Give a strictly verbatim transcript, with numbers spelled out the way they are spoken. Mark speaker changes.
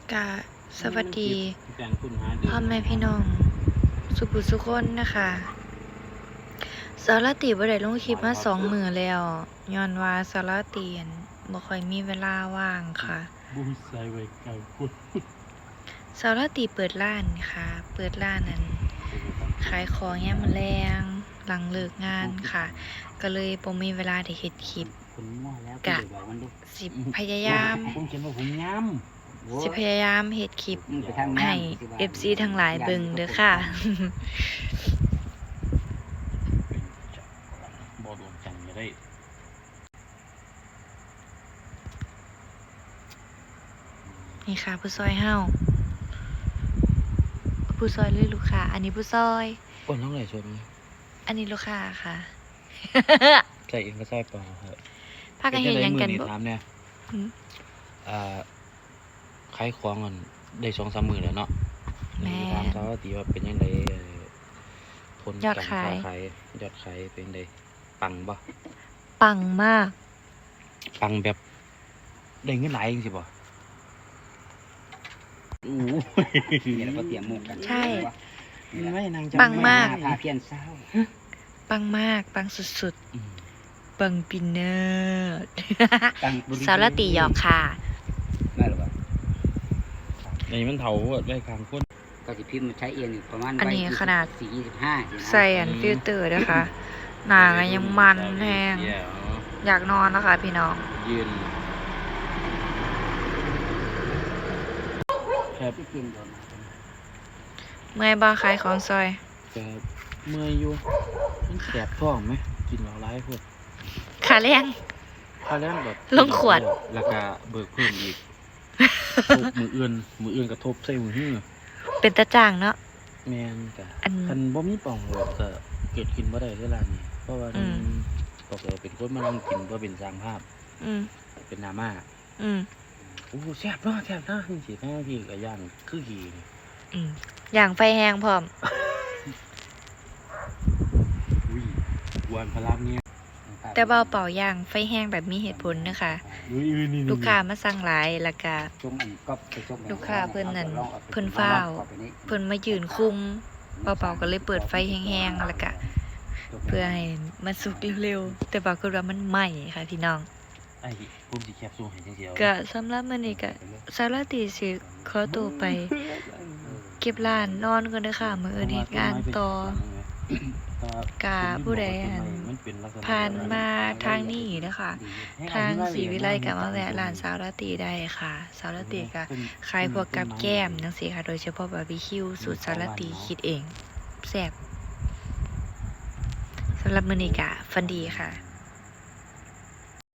Speaker 1: กะสวัสดีพ่อแม่พี่น้องสุขุสุขคนนะคะสารติบ่ได้ลงคลิปมาสองมื้อแล้วย้อนว่าสารติอั่นบ่ค่อยมีเวลาว่างค่ะ
Speaker 2: บุ้มใส่ไว้ไกลพุ่น
Speaker 1: สารติเปิดร้านค่ะเปิดร้านนั้นขายของยามมื้อแลงหลังเลิกงานค่ะก็เลยบ่มีเวลาได้เฮ็ดคลิปกะสิพยายาม
Speaker 2: ผมเขียนว่าผมย้ำ
Speaker 1: สิพยายามเฮ็ดคลิปให้ เอฟ ซี ทั้งหลายเบิ่งเด้อค่ะ
Speaker 2: บ่โดนจังจะได้
Speaker 1: นี่ค่ะผู้ซอยเฮาผู้ซอยหรือลูกค้าอันนี้ผู้ซอย
Speaker 2: คนเท่าไหร่ชน
Speaker 1: อันนี้ลูกค้าค่ะ
Speaker 2: ใส่เองก็ใส่เปล่าครับ
Speaker 1: พากันเห็นยังกันบ่
Speaker 2: ถามเนี่ยอ่าขายของกันได้สองสามหมื่นแล้วเนาะ
Speaker 1: แม่
Speaker 2: ถามเขาตีว่าเป็นยังไงผล
Speaker 1: ยอดขาย
Speaker 2: ยอดขายเป็นยังไงปังบ่
Speaker 1: ปังมาก
Speaker 2: ปังแบบได้เงินหลายจริงสิบ่โอ้ยเราก็เตรียมมุกกัน
Speaker 1: ใช่
Speaker 2: ปั
Speaker 1: งมาก
Speaker 2: พาเพียนเศร้า
Speaker 1: ปังมากปังสุดๆปังปินเนอร์สารติหยอกค่ะ
Speaker 2: ไม่หรอกในมันเถาได้กลางคนก็จะพิมพ์ใช้เองประมาณ
Speaker 1: อันนี้ขนาด
Speaker 2: สี่ยี่สิบห้า
Speaker 1: ใส่อันฟิลเตอร์นะคะหนายังมันแห้งอยากนอนนะคะพี่น้อง
Speaker 2: ยืนครับ
Speaker 1: เมื่อยบ้าขายของซอย
Speaker 2: จะเมื่อยอยู่มันแสบท้องไหมกินเหล้าร้ายพวก
Speaker 1: ขาแรง
Speaker 2: ขาแรงแบบ
Speaker 1: ลงขวด
Speaker 2: แล้วก็เบิกเพิ่มอีกทบมืออื่นมืออื่นกระทบใส่มือหื้อ
Speaker 1: เป็นตาจ่างเนาะ
Speaker 2: แมนกะคันบ่มีป่องเลยก็เกิดกินบ่ได้ที่ร้านนี้เพราะว่าบอกเลยเป็นคนมานั่งกินเพื่อเป็นสร้างภาพเป็นนาม่า
Speaker 1: อืม
Speaker 2: โอ้แซ่บเนาะแซ่บเนาะนี่สิแม่พี่ก็ย่างคือขี่
Speaker 1: อืมย่างไฟแห้งพร้อม
Speaker 2: อุ้ยวันพลังเนี่ย
Speaker 1: แต่เบาเป่าย่างไฟแห้งแบบมีเหตุผลนะคะลูกค้ามาสั่งหลายแล้วก็ลูกค้าเพิ่นนั่นเพิ่นฟ้าวเพิ่นมายืนคุมเบาเป่าก็เลยเปิดไฟแห้งๆแล้วก็เพื่อให้มันสุกเร็วๆแต่ปรากฏว่ามันไหม้ค่ะพี่น้อง
Speaker 2: ไอ้ผมสิแคปซูลให้จังซี่เอา
Speaker 1: ก็สำหรับมื้อนี้ก็สารติสิขอตัวไปเก็บร้านนอนก่อนเด้อค่ะมื้ออื่นเฮ็ดงานต่อกะผู้ใดผ่านมาทางนี้นะคะทางศรีวิไลก็มาแวะร้านสารติได้ค่ะสารติก็ขายพวกกับแก้มจังซี่ค่ะโดยเฉพาะบาร์บีคิวสูตรสารติคิดเองแซ่บสำหรับมื้อนี้ก็ฝันดีค่ะ